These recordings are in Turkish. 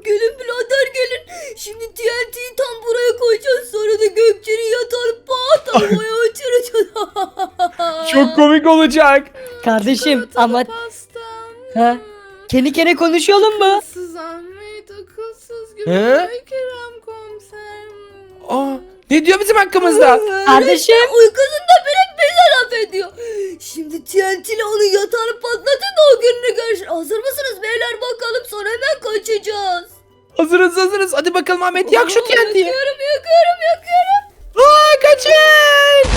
Gelin birader gelin. Şimdi TNT'yi tam buraya koyacağız. Sonra da Gökçe'nin yatağını pat havaya uçuracağız. Çok komik olacak. Kardeşim Çikolatalı ama pastam. ha? Kendi kendine konuşalım mı? Akılsız Ahmet, akılsız He? Gülay, Kerem komiser. Aa, ne diyor bizim hakkımızda? Kardeşim. Uykusunda bile bize laf ediyor. Şimdi TNT ile onun yatağını patlatın da o gününü görsün. Hazır mısınız beyler bakalım sonra hemen kaçacağız. Hazırız. Hadi bakalım Ahmet yak şu TNT'yi. Yakıyorum. Aa, kaçın.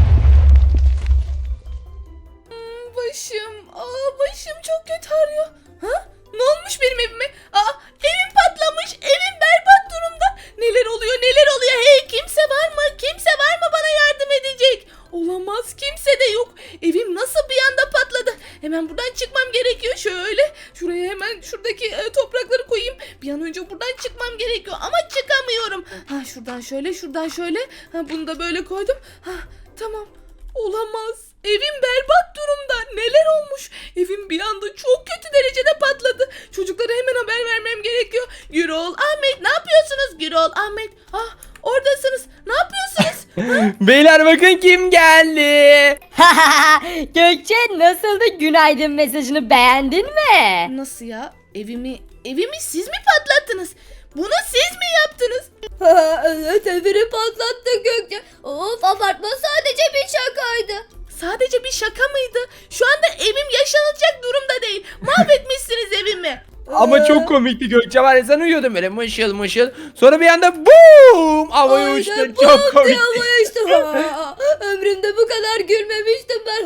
Başım çok kötü ağrıyor. Ha? Ne olmuş benim evime? Evim patlamış. Evim berbat durumda. Neler oluyor? Hey, kimse var mı? Kimse var mı bana yardım edecek? Olamaz, kimse de yok. Evim nasıl bir anda patladı? Hemen buradan çıkmam gerekiyor. Şuraya hemen şuradaki toprakları koyayım. Bir an önce buradan çıkmam gerekiyor ama çıkamıyorum. Şuradan şöyle. Bunu da böyle koydum. Tamam. Olamaz. Evim berbat durumda. Neler olmuş? Evim bir anda çok kötü derecede patladı. Çocuklara hemen haber vermem gerekiyor. Gürol, Ahmet ne yapıyorsunuz? Gürol, Ahmet. Oradasınız. Ne yapıyorsunuz? Beyler bakın kim geldi. Gökçe nasıldı günaydın mesajını beğendin mi? Nasıl ya? Evimi siz mi patlattınız? Bunu siz mi yaptınız? Evet evini patlattı Gökçe. Of abartma sadece bir şakaydı. Sadece bir şaka mıydı? Şu anda evim yaşanılacak durumda değil. Mahvetmişsiniz evimi. Ama çok komikti Gökçe, var ya, sen uyuyordun böyle mışıl. Sonra bir anda boom havaya Aynen, uçtun. bum Çok komik. diye havaya uçtum. Ömrümde bu kadar gülmemiştim ben.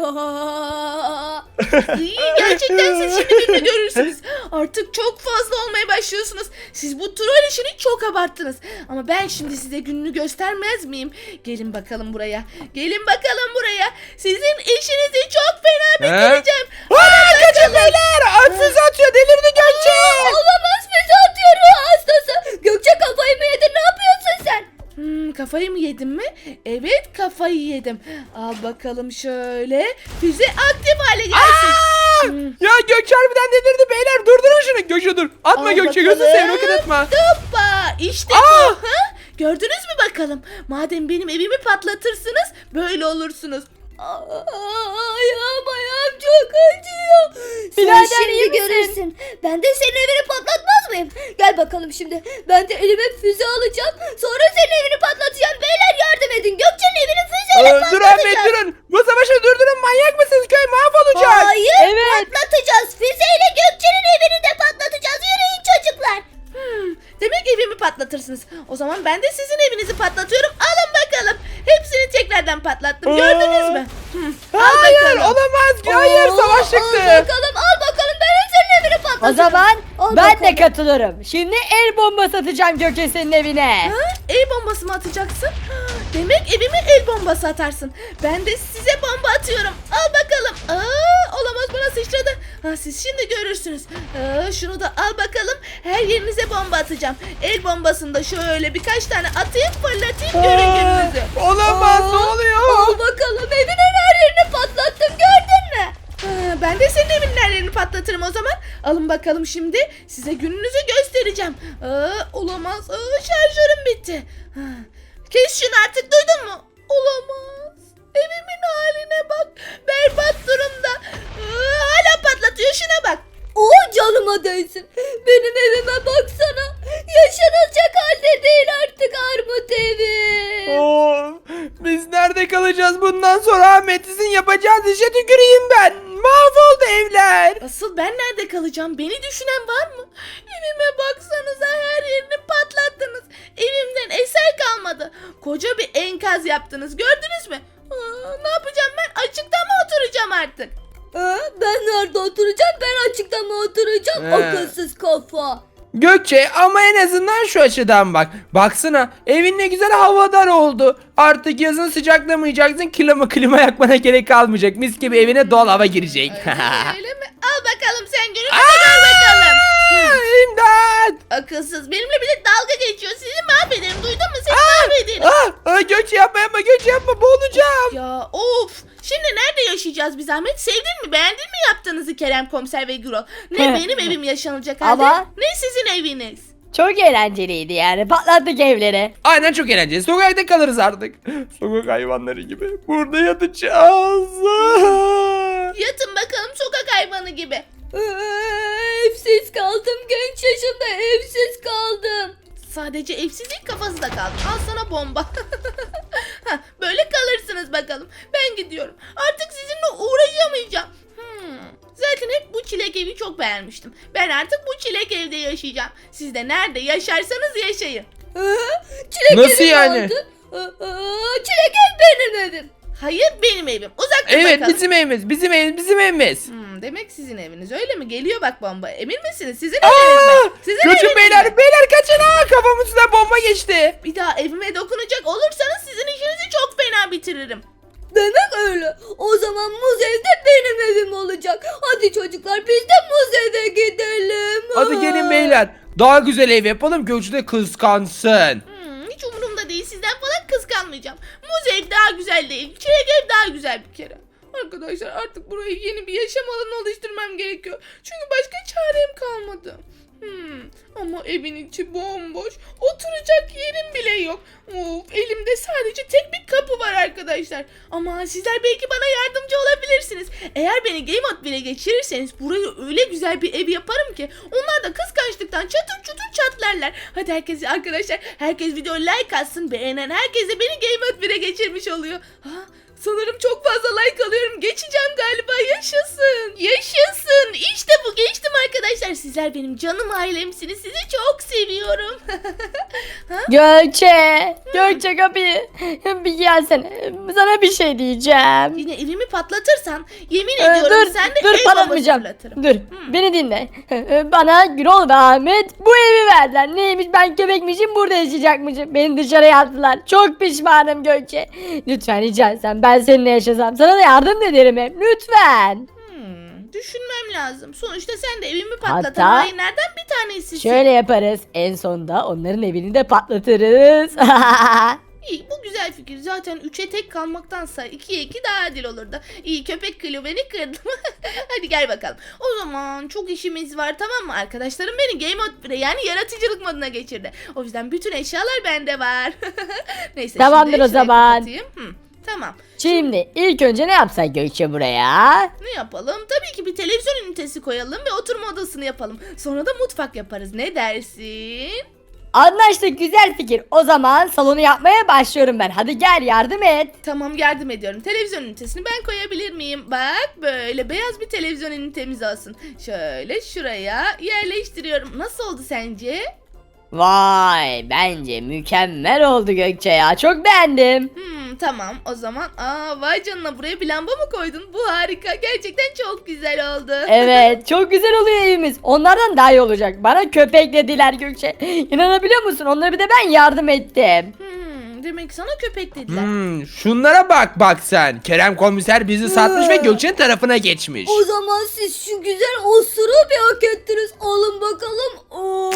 İyi, gerçekten siz şimdi birini görürsünüz. Artık çok fazla olmaya başlıyorsunuz. Siz bu troll işini çok abarttınız. Ama ben şimdi size gününü göstermez miyim? Gelin bakalım buraya. Sizin işinizi çok fena bitireceğim. Kaçın beyler. Füze atıyor, delirdi Gökçe. Olamaz füze atıyor ruh hastası. Gökçe kafayı mı yedin ne yapıyorsun sen? Kafayı mı yedim mi? Evet, kafayı yedim. Al bakalım şöyle. Füze aktif hale gelsin. Ya Gökçe harbiden delirdi beyler, durdurun şunu. Gökçe dur. Atma Al Gökçe, bakalım. gözünü seveyim, roket atma. Hoppa, işte bu. Gördünüz mü bakalım? Madem benim evimi patlatırsınız, böyle olursunuz. Ayağım çok acıyor. Birader, Sen iyi şimdi misin? görürsün. Ben de senin evini patlatmaz mıyım? Gel bakalım şimdi. Ben de elime füze alacağım. Sonra senin evini patlatacağım. Beyler yardım edin. Gökçe'nin evini füzeyle Dur patlatacağız. Ahmet durun. Bu savaşı durdurun, manyak mısınız? Köy mahvolacak. Hayır Evet. patlatacağız. Füzeyle Gökçe'nin evini de patlatacağız. Yürüyün çocuklar. Demek evimi patlatırsınız. O zaman ben de sizin evinizi patlatıyorum. Alın bakalım. Hepsini tekrardan patlattım. Gördünüz mü? Hayır bakalım. olamaz. Hayır, savaş çıktı. Al bakalım ben de senin evini O patlatacağım. zaman Al ben bakalım. de katılırım. Şimdi el bombası atacağım Gökçe senin evine. El bombası mı atacaksın? Demek evime el bombası atarsın. Ben de size bomba atıyorum. Al bakalım. Olamaz, bana sıçradı. Siz şimdi görürsünüz. Şunu da al bakalım. Her yerinize bomba atacağım. El bombasını da şöyle birkaç tane atayım, fırlatayım, görün gününüzü. Olamaz, ne oluyor? Al bakalım evinin her yerini patlattım gördün mü? Ben de senin evinin her yerini patlatırım o zaman. Alın bakalım şimdi. Size gününüzü göstereceğim. Olamaz. Şarjörüm bitti. Kes şunu artık, duydun mu? Olamaz. Evimin haline bak. Berbat durumda. Hala patlatıyor, şuna bak. Canıma değsin. Benim evime baksana. Yaşanılacak halde değil artık armut evi. Biz nerede kalacağız bundan sonra Ahmet? Sizin yapacağınız işe tüküreyim ben. Mahvoldu evler. Asıl ben nerede kalacağım? Beni düşünen var mı? Evime baksanıza, her yerini patlattınız. Evimden eser kalmadı. Koca bir enkaz yaptınız. Gördünüz mü? Ne yapacağım ben? Açıkta mı oturacağım artık? Ben nerede oturacağım? Ben açıkta mı oturacağım? Akılsız kafa. Gökçe ama en azından şu açıdan bak. Baksana, evin ne güzel havadar oldu. Artık yazın sıcaklamayacaksın. Klima yakmana gerek kalmayacak. Mis gibi evine doğal hava girecek. Öyle mi? Al bakalım sen, gününü gör bakalım. İmdat. Akılsız, benimle bile dalga geçiyor. Sizi mahvederim, duydun mu? Seni mahvederim. Gökçe yapma, Gökçe yapma, boğulacağım. Ya of. Şimdi nerede yaşayacağız biz Ahmet? Sevdin mi? Beğendin mi yaptığınızı Kerem komiser ve Gürol? Ne benim evim yaşanacak halde, Ama- ne sizin eviniz. Çok eğlenceliydi yani. Patlattık evleri. Aynen, çok eğlenceli. Sokakta kalırız artık. Sokak hayvanları gibi. Burada yatacağız. Yatın bakalım sokak hayvanı gibi. Evsiz kaldım, genç yaşımda evsiz kaldım. Sadece evsizlik kafası da kaldı. Al sana bomba. Hah, böyle kalırsınız bakalım. Ben gidiyorum. Artık sizinle uğraşamayacağım. Zaten hep bu çilek evi çok beğenmiştim. Ben artık bu çilek evde yaşayacağım. Siz de nerede yaşarsanız yaşayın. Çilek Nasıl evi yani? vardı. Çilek ev benim evim. Hayır, benim evim. Uzak dur Evet, bakalım. bizim evimiz. Bizim evimiz. Bizim evimiz. Demek sizin eviniz öyle mi? Geliyor bak bomba. Emin misiniz? Sizin eviniz mi? Sizin eviniz Kaçın mi? beyler. Beyler kaçın. Kafamın üstüne bomba geçti. Bir daha evime dokunacak olursanız sizin işinizi çok fena bitiririm. Demek öyle. O zaman muz ev de benim evim olacak. Hadi çocuklar, biz de muz eve gidelim. Hadi gelin beyler. Daha güzel ev yapalım. Gökçe de kıskansın. Hiç umurumda değil. Sizden falan kıskanmayacağım. Muz ev daha güzel değil. Çilek ev daha güzel bir kere. Arkadaşlar artık burayı yeni bir yaşam alanı oluşturmam gerekiyor. Çünkü başka çarem kalmadı. Ama evin içi bomboş. Oturacak yerim bile yok. Of, elimde sadece tek bir kapı var arkadaşlar. Ama sizler belki bana yardımcı olabilirsiniz. Eğer beni Game Mode 1'e geçirirseniz burayı öyle güzel bir ev yaparım ki onlar da kıskançlıktan çatır çutur çatlarlar. Hadi herkes arkadaşlar, herkes videoya like atsın. Beğenen herkes de beni Game Mode 1'e geçirmiş oluyor. Sanırım çok fazla like alıyorum. Geçeceğim galiba. Yaşasın. Yaşasın. İşte bu, geçtim arkadaşlar. Sizler benim canım ailemsiniz. Sizi çok seviyorum. Gökçe. Gökçe kapıyı. Bir gelsene. Sana bir şey diyeceğim. Yine evimi patlatırsan yemin ediyorum sen de dur el bombası patlatmayacağım. fırlatırım. Dur beni dinle. Bana Gürol ve Ahmet bu evi verdiler. Neymiş, ben köpekmişim, burada yaşayacakmışım. Beni dışarıya attılar. Çok pişmanım Gökçe. Lütfen rica etsem ben seninle yaşasam. Sana da yardım ederim hep. Lütfen. Düşünmem lazım. Sonuçta sen de evimi patlatan Hatta hainlerden bir tanesisin. şöyle yaparız. En sonunda onların evini de patlatırız. İyi, bu güzel fikir. Zaten 3'e tek kalmaktansa 2'ye 2 daha adil olurdu. İyi, köpek kılıyor, beni kırdım. Hadi gel bakalım. O zaman çok işimiz var, tamam mı? Arkadaşlarım beni Game Mode 1'e yani yaratıcılık moduna geçirdi. O yüzden bütün eşyalar bende var. Neyse, Tamamdır şimdi o şurayı zaman. kapatayım. Tamam. Şimdi ilk önce ne yapsak Gökçe buraya? Ne yapalım? Tabii ki bir televizyon ünitesi koyalım ve oturma odasını yapalım. Sonra da mutfak yaparız. Ne dersin? Anlaştık, güzel fikir. O zaman salonu yapmaya başlıyorum ben. Hadi gel yardım et. Tamam, yardım ediyorum. Televizyon ünitesini ben koyabilir miyim? Bak, böyle beyaz bir televizyon ünitemiz olsun. Şöyle şuraya yerleştiriyorum. Nasıl oldu sence? Vay, bence mükemmel oldu Gökçe ya. Çok beğendim. Tamam o zaman. Vay canına, buraya bir lamba mı koydun? Bu harika. Gerçekten çok güzel oldu. Evet, çok güzel oluyor evimiz. Onlardan daha iyi olacak. Bana köpek dediler Gökçe. İnanabiliyor musun? Onlara bir de ben yardım ettim. Demek sana köpek dediler. Şunlara bak sen. Kerem komiser bizi satmış ve Gökçe'nin tarafına geçmiş. O zaman siz şu güzel osuru bir hak ettiniz. Alın bakalım. Oo.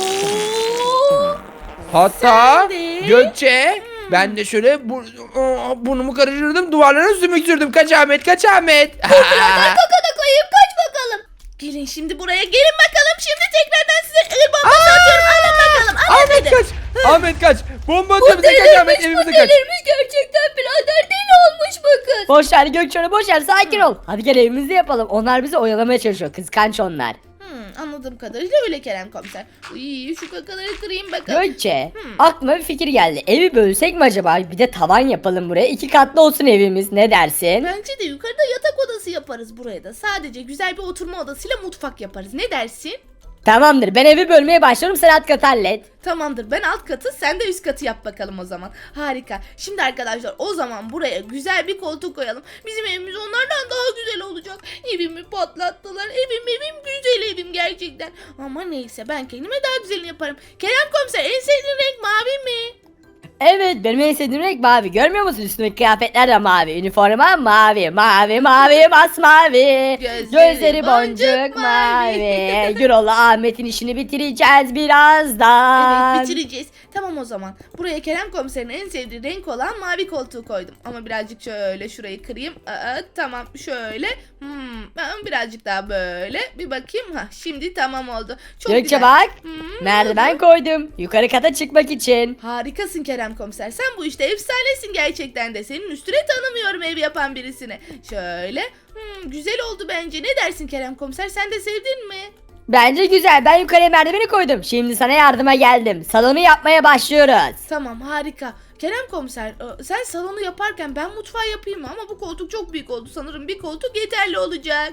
Hatta Sen de. Gökçe ben de şöyle burnumu karıştırdım, duvarlara sümük sürdüm. Kaç Ahmet, kaç Ahmet. Kakada koyayım, kaç bakalım. Gelin şimdi buraya, gelin bakalım. Şimdi tekrardan size el bombası atıyorum. Alın bakalım. Alın Ahmet dedim. kaç. Ahmet kaç. Bomba atıyor bize, kaç Ahmet, Bu evimize kaç. delirmiş gerçekten, birader deli olmuş bu kız. Boş ver Gökçe, boş ver, sakin ol. Hadi gel evimizi yapalım. Onlar bizi oyalamaya çalışıyor. Kıskanç onlar. Anladığım kadarıyla öyle Kerem komiser. Uy, şu kakaları kırayım bakalım. Gökçe, aklıma bir fikir geldi. Evi bölsek mi acaba? Bir de tavan yapalım buraya. 2 katlı olsun evimiz. Ne dersin? Bence de yukarıda yatak odası yaparız buraya da. Sadece güzel bir oturma odasıyla mutfak yaparız. Ne dersin? Tamamdır. Ben evi bölmeye başlıyorum. Sen alt katı hallet. Tamamdır, ben alt katı, sen de üst katı yap bakalım o zaman. Harika. Şimdi arkadaşlar o zaman buraya güzel bir koltuk koyalım. Bizim evimiz onlardan daha güzel olacak. Evimi patlattılar. Evim güzel evim gerçekten. Ama neyse, ben kendime daha güzelini yaparım. Kerem komiser, en sevdiğin renk mavi mi? Evet, benim en sevdiğim renk mavi. Görmüyor musun? Üstümdeki kıyafetler de mavi. Üniforma mavi. Mavi mavi masmavi. Gözleri boncuk mavi. Gürol'la Ahmet'in işini bitireceğiz birazdan. Evet, bitireceğiz. Tamam o zaman. Buraya Kerem komiserin en sevdiği renk olan mavi koltuğu koydum. Ama birazcık şöyle şurayı kırayım. Tamam şöyle. Ben birazcık daha böyle. Bir bakayım. Şimdi tamam oldu. Çok Gökçe güzel. bak. Hmm, Merdiven koydum. Yukarı kata çıkmak için. Harikasın Kerem komiser. Sen bu işte efsanesin gerçekten de. Senin üstüne tanımıyorum ev yapan birisini. Şöyle. Güzel oldu bence. Ne dersin Kerem komiser? Sen de sevdin mi? Bence güzel. Ben yukarıya merdiveni koydum. Şimdi sana yardıma geldim. Salonu yapmaya başlıyoruz. Tamam harika. Kerem komiser sen salonu yaparken ben mutfağı yapayım mı? Ama bu koltuk çok büyük oldu. Sanırım bir koltuk yeterli olacak.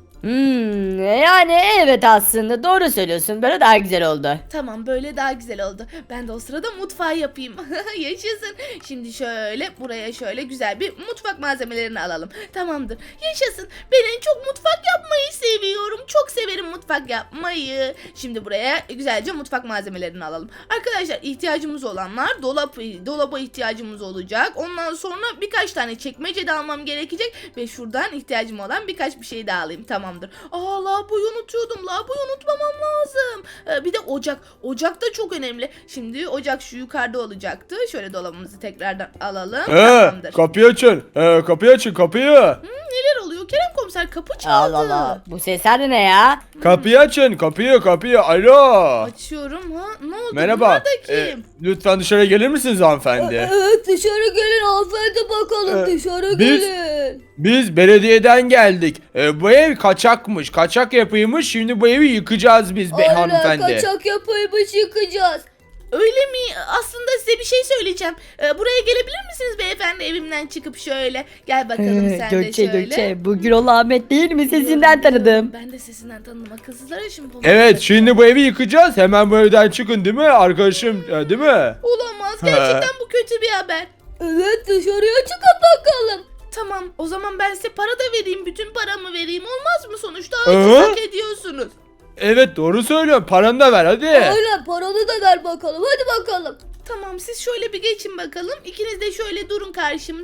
Yani evet aslında doğru söylüyorsun. Böyle daha güzel oldu. Tamam böyle daha güzel oldu. Ben de o sırada mutfağı yapayım. Yaşasın. Şimdi şöyle buraya şöyle güzel bir mutfak malzemelerini alalım. Tamamdır. Yaşasın. Ben en çok mutfak yapmayı seviyorum. Çok severim mutfak yapmayı. Şimdi buraya güzelce mutfak malzemelerini alalım. Arkadaşlar ihtiyacımız olanlar dolaba ihtiyacımız olacak. Ondan sonra birkaç tane çekmece de almam gerekecek. Ve şuradan ihtiyacım olan birkaç bir şey daha alayım. Tamamdır. Lavaboyu unutuyordum. Lavaboyu unutmamam lazım. Bir de ocak. Ocak da çok önemli. Şimdi ocak şu yukarıda olacaktı. Şöyle dolabımızı tekrardan alalım. Tamamdır. Kapıyı açın. Kapıyı açın kapıyı. Neler oluyor? Kerem komiser kapı çaldı. Allah Allah. Bu sesler de ne ya? Kapıyı açın kapıyı. Alo. Açıyorum ha. Ne oldu? Merhaba. Bunlar da kim? Lütfen dışarı gelir misiniz hanımefendi? Evet dışarı gelin hanımefendi bakalım dışarı biz- gelin. Biz belediyeden geldik. Bu ev kaçakmış. Kaçak yapıymış. Şimdi bu evi yıkacağız biz Aynen hanımefendi. kaçak yapıymış yıkacağız. Öyle mi? Aslında size bir şey söyleyeceğim. Buraya gelebilir misiniz beyefendi evimden çıkıp şöyle? Gel bakalım sen de Gökçe şöyle. Gökçe. Bu Gürol Ahmet değil mi? Sesinden tanıdım. Ben de sesinden tanıdım. Akılsızlar ya şimdi. Evet şimdi bu evi yıkacağız. Hemen bu evden çıkın değil mi arkadaşım? Değil mi? Olamaz. Gerçekten bu kötü bir haber. Evet dışarıya çıkıp bakalım. Tamam o zaman ben size para da vereyim. Bütün paramı vereyim. Olmaz mı? Sonuçta Hı? hak ediyorsunuz. Evet doğru söylüyorum. Paranı da ver hadi. Aynen paranı da ver bakalım hadi bakalım. Tamam siz şöyle bir geçin bakalım. İkiniz de şöyle durun karşımda.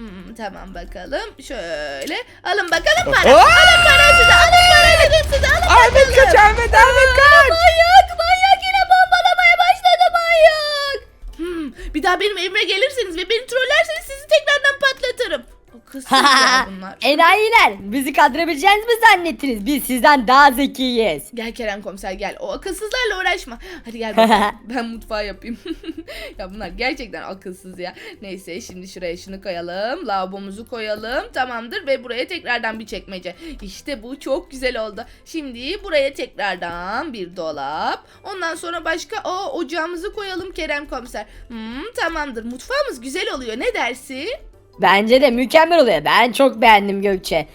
Tamam bakalım. Şöyle. Alın bakalım para. Aa! Alın para size. Alın para dedim size. Alın Ahmet bakalım. kaç Ahmet kaç. Manyak yine bombalamaya başladı manyak. Bir daha benim evime gelirseniz ve beni trollerseniz sizi tekrardan patlatırım. Akılsızlar bunlar. Enayiler. Bizi kandırabileceğinizi mi zannettiniz? Biz sizden daha zekiyiz. Gel Kerem komiser gel. O akılsızlarla uğraşma. Hadi gel bakalım. Ben mutfağı yapayım. Ya bunlar gerçekten akılsız ya. Neyse şimdi şuraya şunu koyalım. Lavabomuzu koyalım. Tamamdır ve buraya tekrardan bir çekmece. İşte bu çok güzel oldu. Şimdi buraya tekrardan bir dolap. Ondan sonra başka ocağımızı koyalım Kerem komiser. Tamamdır. Mutfağımız güzel oluyor. Ne dersin? Bence de mükemmel oluyor. Ben çok beğendim Gökçe.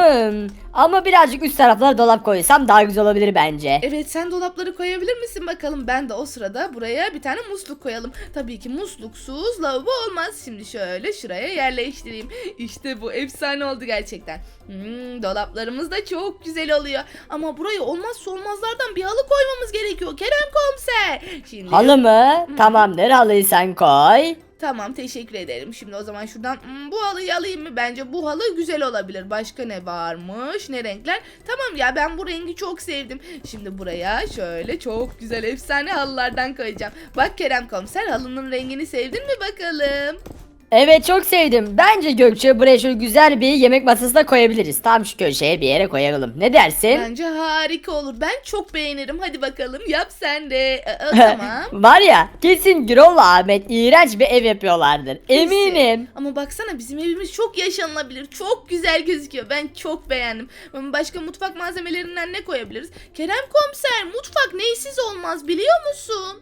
Ama birazcık üst taraflara dolap koysam daha güzel olabilir bence. Evet sen dolapları koyabilir misin bakalım? Ben de o sırada buraya bir tane musluk koyalım. Tabii ki musluksuz lavabo olmaz. Şimdi şöyle şuraya yerleştireyim. İşte bu efsane oldu gerçekten. Dolaplarımız da çok güzel oluyor. Ama buraya olmazsa olmazlardan bir halı koymamız gerekiyor Kerem komiser. Şimdi Halı mı? Tamamdır, halıyı sen koy. Tamam teşekkür ederim. Şimdi o zaman şuradan bu halıyı alayım mı? Bence bu halı güzel olabilir. Başka ne varmış? Ne renkler? Tamam ya ben bu rengi çok sevdim. Şimdi buraya şöyle çok güzel efsane halılardan koyacağım. Bak Kerem komiser halının rengini sevdin mi bakalım? Evet çok sevdim. Bence Gökçe buraya şöyle güzel bir yemek masası da koyabiliriz. Tam şu köşeye bir yere koyalım. Ne dersin? Bence harika olur. Ben çok beğenirim. Hadi bakalım yap sen de. Tamam. Var ya kesin Gürol Ahmet iğrenç bir ev yapıyorlardır. Eminim. Ama baksana bizim evimiz çok yaşanılabilir. Çok güzel gözüküyor. Ben çok beğendim. Başka mutfak malzemelerinden ne koyabiliriz? Kerem komiser mutfak neysiz olmaz biliyor musun?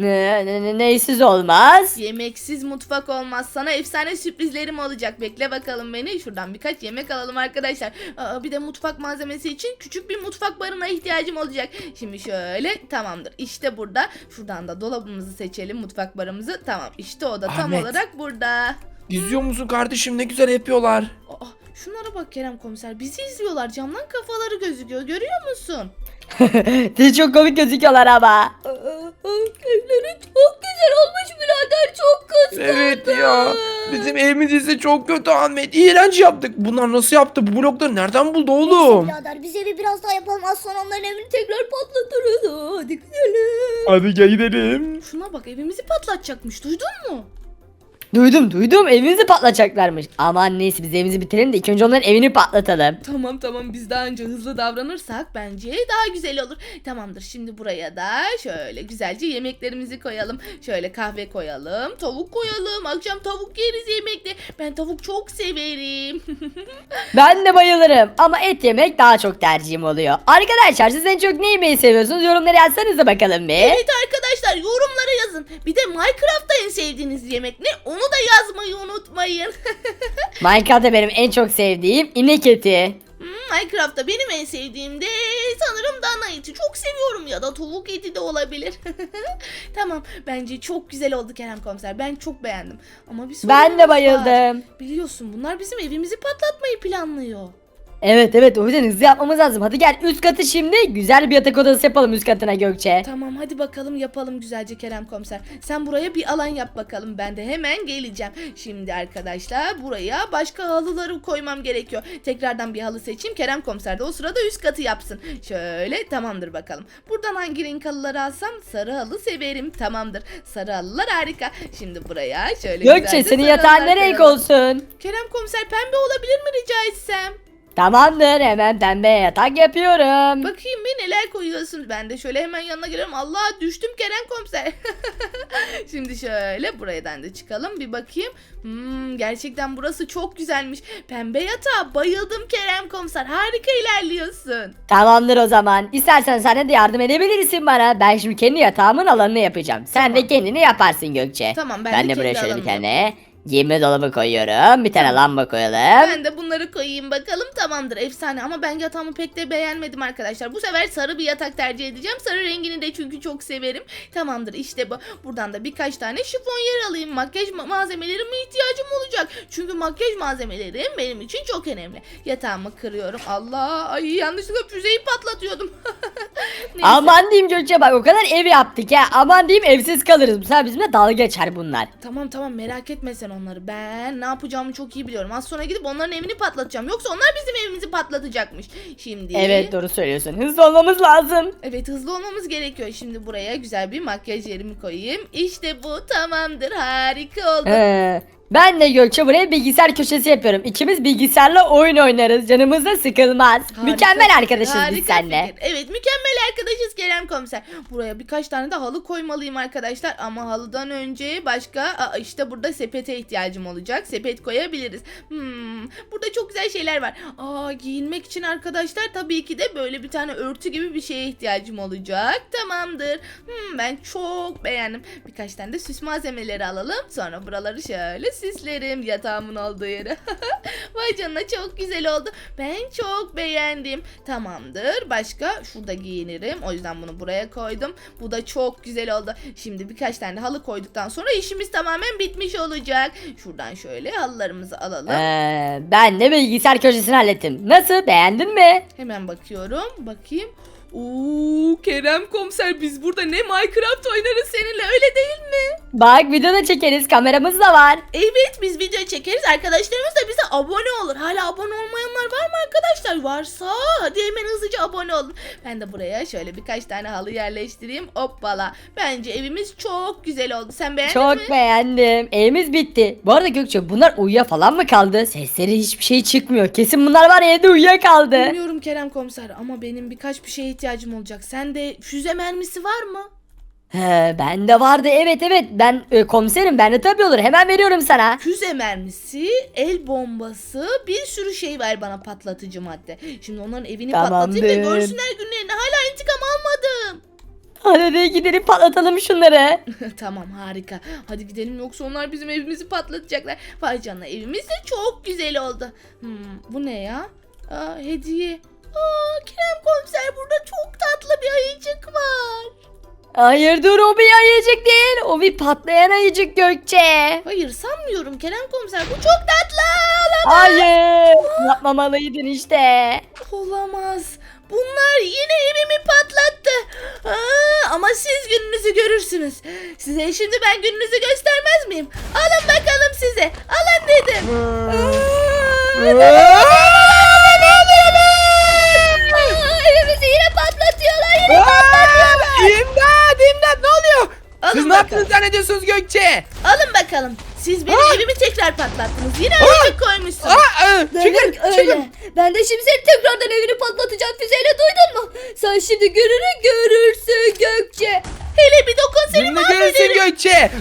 Neysiz olmaz. Yemeksiz mutfak olmaz. Sana efsane sürprizlerim olacak. Bekle bakalım beni. Şuradan birkaç yemek alalım arkadaşlar. Bir de mutfak malzemesi için küçük bir mutfak barına ihtiyacım olacak. Şimdi şöyle tamamdır. İşte burada. Şuradan da dolabımızı seçelim. Mutfak barımızı. Tamam. İşte o da tam Ahmet. olarak burada. İzliyor musun kardeşim ne güzel yapıyorlar. Şunlara bak Kerem komiser. Bizi izliyorlar. Camdan kafaları gözüküyor. Görüyor musun? Siz çok komik gözüküyorlar ama. Evleri çok güzel güzel olmuş birader. Çok kıskandım. Evet ya. Bizim evimiz ise çok kötü Ahmet. İğrenç yaptık. Bunlar nasıl yaptı? Bu blokları nereden buldu oğlum? Birader biz evi biraz daha yapalım. Az sonra onların evini tekrar patlatırız. Hadi gidelim. Hadi gel gidelim. Şuna bak, evimizi patlatacakmış, duydun mu? Duydum evimizi patlatacaklarmış. Aman neyse biz evimizi bitirelim de ilk önce onların evini patlatalım. Tamam, biz daha önce hızlı davranırsak bence daha güzel olur. Tamamdır, şimdi buraya da şöyle güzelce yemeklerimizi koyalım. Şöyle kahve koyalım, tavuk koyalım. Akşam tavuk yeriz yemekte. Ben tavuk çok severim. Ben de bayılırım ama et yemek daha çok tercihim oluyor. Arkadaşlar siz en çok ne yemeyi seviyorsunuz? Yorumlara yazsanıza bakalım bir. Evet arkadaşlar, yorumlara yazın. Bir de Minecraft'ta en sevdiğiniz yemek ne? Onu da yazmayı unutmayın. Minecraft'ta benim en çok sevdiğim inek eti. Minecraft'ta benim en sevdiğim de sanırım dana eti. Çok seviyorum, ya da tavuk eti de olabilir. Tamam, bence çok güzel oldu Kerem Komiser. Ben çok beğendim. Ama bir Ben sorunumuz de var. bayıldım. Biliyorsun bunlar bizim evimizi patlatmayı planlıyor. Evet o yüzden hızlı yapmamız lazım. Hadi gel üst katı şimdi güzel bir yatak odası yapalım üst katına Gökçe. Tamam, hadi bakalım yapalım güzelce Kerem Komiser. Sen buraya bir alan yap bakalım. Ben de hemen geleceğim. Şimdi arkadaşlar buraya başka halıları koymam gerekiyor. Tekrardan bir halı seçeyim. Kerem Komiser de o sırada üst katı yapsın. Şöyle, tamamdır bakalım. Buradan hangi renk halıları alsam? Sarı halı severim. Tamamdır. Sarı halılar harika. Şimdi buraya şöyle Gökçe güzelce senin sarı yatağın halılar ne renk koyalım. olsun? Kerem Komiser, pembe olabilir mi rica etsem? Tamamdır hemen pembe yatak yapıyorum. Bakayım bir neler koyuyorsun. Ben de şöyle hemen yanına geliyorum. Allah, düştüm Kerem Komiser. Şimdi şöyle buradan da çıkalım bir bakayım. Gerçekten burası çok güzelmiş. Pembe yatağa bayıldım Kerem Komiser. Harika ilerliyorsun. Tamamdır o zaman. İstersen sen de yardım edebilirsin bana. Ben şimdi kendi yatağımın alanını yapacağım. Sen Tamam. de kendini yaparsın Gökçe. Tamam, ben Ben de de buraya kendi şöyle bir alanımı tane giyinme dolabı koyuyorum. Bir tane lamba koyalım. Ben de bunları koyayım bakalım. Tamamdır, efsane, ama ben yatağımı pek de beğenmedim arkadaşlar. Bu sefer sarı bir yatak tercih edeceğim. Sarı rengini de çünkü çok severim. Tamamdır, işte bu. Buradan da birkaç tane şifonyer alayım. Makyaj malzemelerime ihtiyacım olacak. Çünkü makyaj malzemelerim benim için çok önemli. Yatağımı kırıyorum. Allah, ay yanlışlıkla füzeyi patlatıyordum. Neyse. Aman diyeyim Gökçe bak o kadar ev yaptık ya. Aman diyeyim evsiz kalırız. Bu sefer bizimle dalga geçer bunlar. Tamam, merak etme sen onları. Ben ne yapacağımı çok iyi biliyorum. Az sonra gidip onların evini patlatacağım. Yoksa onlar bizim evimizi patlatacakmış. Şimdi. Evet doğru söylüyorsun. Hızlı olmamız lazım. Evet, hızlı olmamız gerekiyor. Şimdi buraya güzel bir makyaj yerimi koyayım. İşte bu, tamamdır, harika oldu. Ben de Gökçe buraya bilgisayar köşesi yapıyorum. İkimiz bilgisayarla oyun oynarız. Canımız da sıkılmaz. Harika Mükemmel fikir, arkadaşız biz harika seninle. fikir. Evet, mükemmel arkadaşız Kerem Komiser. Buraya birkaç tane de halı koymalıyım arkadaşlar. Ama halıdan önce başka işte burada sepete ihtiyacım olacak. Sepet koyabiliriz. Burada çok güzel şeyler var. Giyinmek için arkadaşlar tabii ki de böyle bir tane örtü gibi bir şeye ihtiyacım olacak. Tamamdır. Ben çok beğendim. Birkaç tane de süs malzemeleri alalım. Sonra buraları şöyle süslerim, yatağımın olduğu yere. Vay canına, çok güzel oldu. Ben çok beğendim. Tamamdır. Başka şurada giyinirim. O yüzden bunu buraya koydum. Bu da çok güzel oldu. Şimdi birkaç tane halı koyduktan sonra işimiz tamamen bitmiş olacak. Şuradan şöyle halılarımızı alalım. Ben de bilgisayar köşesini hallettim. Nasıl beğendin mi? Hemen bakıyorum. Bakayım. Kerem Komiser, biz burada ne Minecraft oynarız seninle, öyle değil mi? Bak video da çekeriz kameramız da var. Evet, biz video çekeriz. Arkadaşlarımız da bize abone olur. Hala abone olmayanlar var mı arkadaşlar? Varsa hadi hemen hızlıca abone olun. Ben de buraya şöyle birkaç tane halı yerleştireyim. Hoppala. Bence evimiz çok güzel oldu. Sen beğendin mi? Çok beğendim. Evimiz bitti. Bu arada Gökçe bunlar uyuya falan mı kaldı? Sesleri hiçbir şey çıkmıyor. Kesin bunlar var ya evde uyuyakaldı. Bilmiyorum Kerem Komiser, ama benim birkaç bir şeye ihtiyacım olacak. Sende füze mermisi var mı? Bende vardı evet. Ben komiserim bende tabii olur. Hemen veriyorum sana. Füze mermisi, el bombası, bir sürü şey ver bana, patlatıcı madde. Şimdi onların evini patlatayım ve Tamamdır. görsünler günlerini. Hala intikam almadım. Hadi gidelim patlatalım şunları. Tamam, harika. Hadi gidelim, yoksa onlar bizim evimizi patlatacaklar. Vay canına, evimiz de çok güzel oldu. Bu ne ya? Hediye. Kerem Komiser, burada çok tatlı bir ayıcık var. Hayır dur o bir ayıcık değil. O bir patlayan ayıcık Gökçe. Hayır, sanmıyorum Kerem Komiser, bu çok tatlı. Olamaz. Hayır. Yapmamalıydın işte. Olamaz. Bunlar yine evimi patlattı. ama siz gününüzü görürsünüz. Size şimdi ben gününüzü göstermez miyim? Alın bakalım size. Alın dedim. Evimizi yine patlatıyorlar. Yine patlatıyorlar. İmdat ne oluyor? Alın Siz ne bakalım. yaptınız zannediyorsunuz Gökçe? Alın bakalım. Siz benim evimi tekrar patlattınız. Yine öyle koymuşsunuz. Demek öyle. Ben de şimdi senin tekrardan evini patlatacağım füzeyle, duydun mu? Sen şimdi gününü görürsün Gökçe. Hele bir dokun seni Şimdi görürsün mahvederim. Gökçe.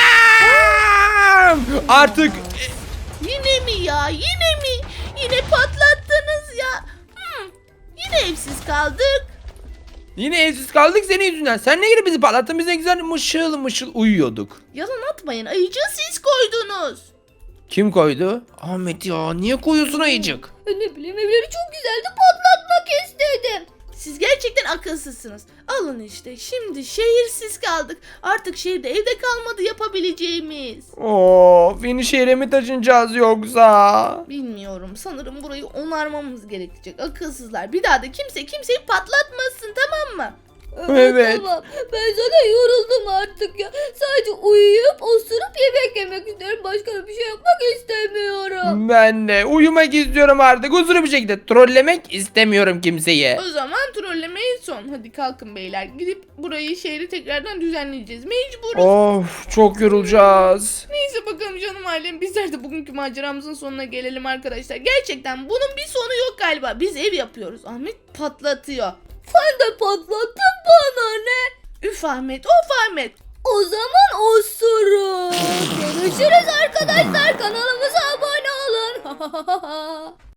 Bam! Artık Yine mi ya? Yine mi? Yine patlattınız ya. Yine evsiz kaldık. yine evsiz kaldık senin yüzünden. Sen ne girip bizi patlattın? Biz ne güzel mışıl mışıl uyuyorduk. Yalan atmayın. Ayıcığı siz koydunuz. Kim koydu? Ahmet ya niye koyuyorsun ayıcık? Ne bileyim, evleri çok güzeldi, patlatmak istedim. Siz gerçekten akılsızsınız. Alın işte. Şimdi şehirsiz kaldık. Artık şehirde evde kalmadı yapabileceğimiz. Of yeni şehre mi taşınacağız yoksa? Bilmiyorum. Sanırım burayı onarmamız gerekecek. Akılsızlar. Bir daha da kimse kimseyi patlatmasın, tamam mı? Evet. Tamam. Ben zaten yoruldum artık ya. Sadece uyuyup osurup yemek yemek istiyorum. Başka da bir şey yapmak istemiyorum. Ben de uyumak istiyorum artık. Huzurlu bir şekilde trollemek istemiyorum kimseyi. O zaman trollemeyi son. Hadi kalkın beyler. Gidip burayı, şehri tekrardan düzenleyeceğiz. Mecburuz. Of çok yorulacağız. Neyse bakalım canım ailem. Bizler de bugünkü maceramızın sonuna gelelim arkadaşlar. Gerçekten bunun bir sonu yok galiba. Biz ev yapıyoruz. Ahmet patlatıyor. Sen de patlattın, bana ne? Üf Ahmet, of Ahmet. O zaman osurun. Görüşürüz arkadaşlar. Kanalımıza abone olun.